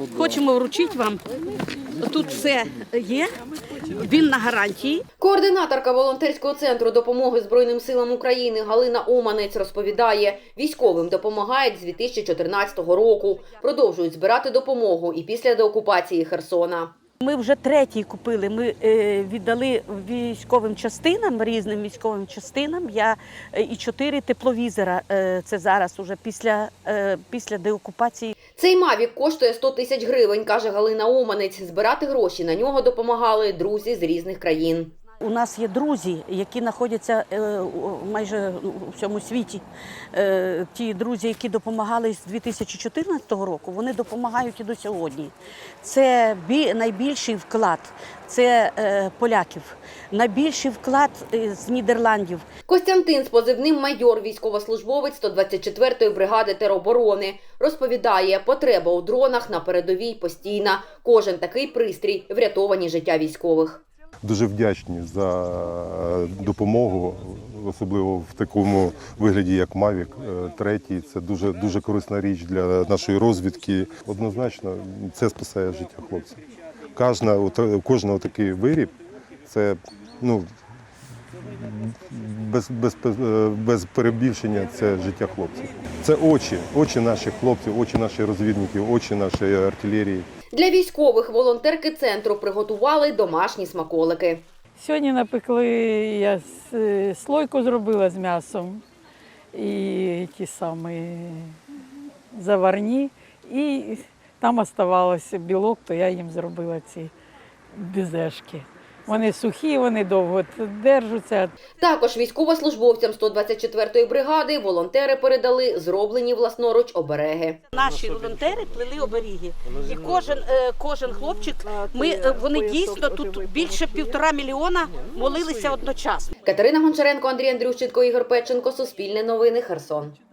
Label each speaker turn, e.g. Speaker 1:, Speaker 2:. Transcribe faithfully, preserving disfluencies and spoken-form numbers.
Speaker 1: Хочемо вручити вам. Тут все є, він на гарантії.
Speaker 2: Координаторка волонтерського центру допомоги Збройним силам України Галина Оманець розповідає, військовим допомагають з дві тисячі чотирнадцятого року. Продовжують збирати допомогу і після деокупації Херсона.
Speaker 1: Ми вже третій купили, ми е, віддали військовим частинам, різним військовим частинам. Я е, і чотири тепловізора, е, це зараз уже після, е, після деокупації.
Speaker 2: Цей Мавік коштує сто тисяч гривень, каже Галина Оманець. Збирати гроші на нього допомагали друзі з різних країн.
Speaker 1: У нас є друзі, які знаходяться майже у всьому світі. Ті друзі, які допомагали з дві тисячі чотирнадцятого року, вони допомагають і до сьогодні. Це найбільший вклад, це поляків, найбільший вклад з Нідерландів.
Speaker 2: Костянтин з позивним майор, військовослужбовець сто двадцять четвертої бригади тероборони, розповідає, потреба у дронах на передовій постійна. Кожен такий пристрій – врятовані життя військових.
Speaker 3: Дуже вдячні за допомогу, особливо в такому вигляді, як Мавік третій. Це дуже, дуже корисна річ для нашої розвідки. Однозначно, це спасає життя хлопців. Кожна, кожен такий виріб – це, ну, без, без, без перебільшення, це життя хлопців. Це очі, очі наших хлопців, очі наших розвідників, очі нашої артилерії.
Speaker 2: Для військових волонтерки центру приготували домашні смаколики.
Speaker 4: Сьогодні напекли, я слойку зробила з м'ясом і ті самі заварні. І там оставалося білок, то я їм зробила ці безешки. Вони сухі, вони довго держаться.
Speaker 2: Також військовослужбовцям сто двадцять четвертої бригади волонтери передали зроблені власноруч обереги.
Speaker 1: Наші волонтери плели оберіги. І кожен, кожен хлопчик, ми, вони дійсно тут більше півтора мільйона молилися одночасно.
Speaker 2: Катерина Гончаренко, Андрій Андрющенко, Ігор Печенко, Суспільне новини, Херсон.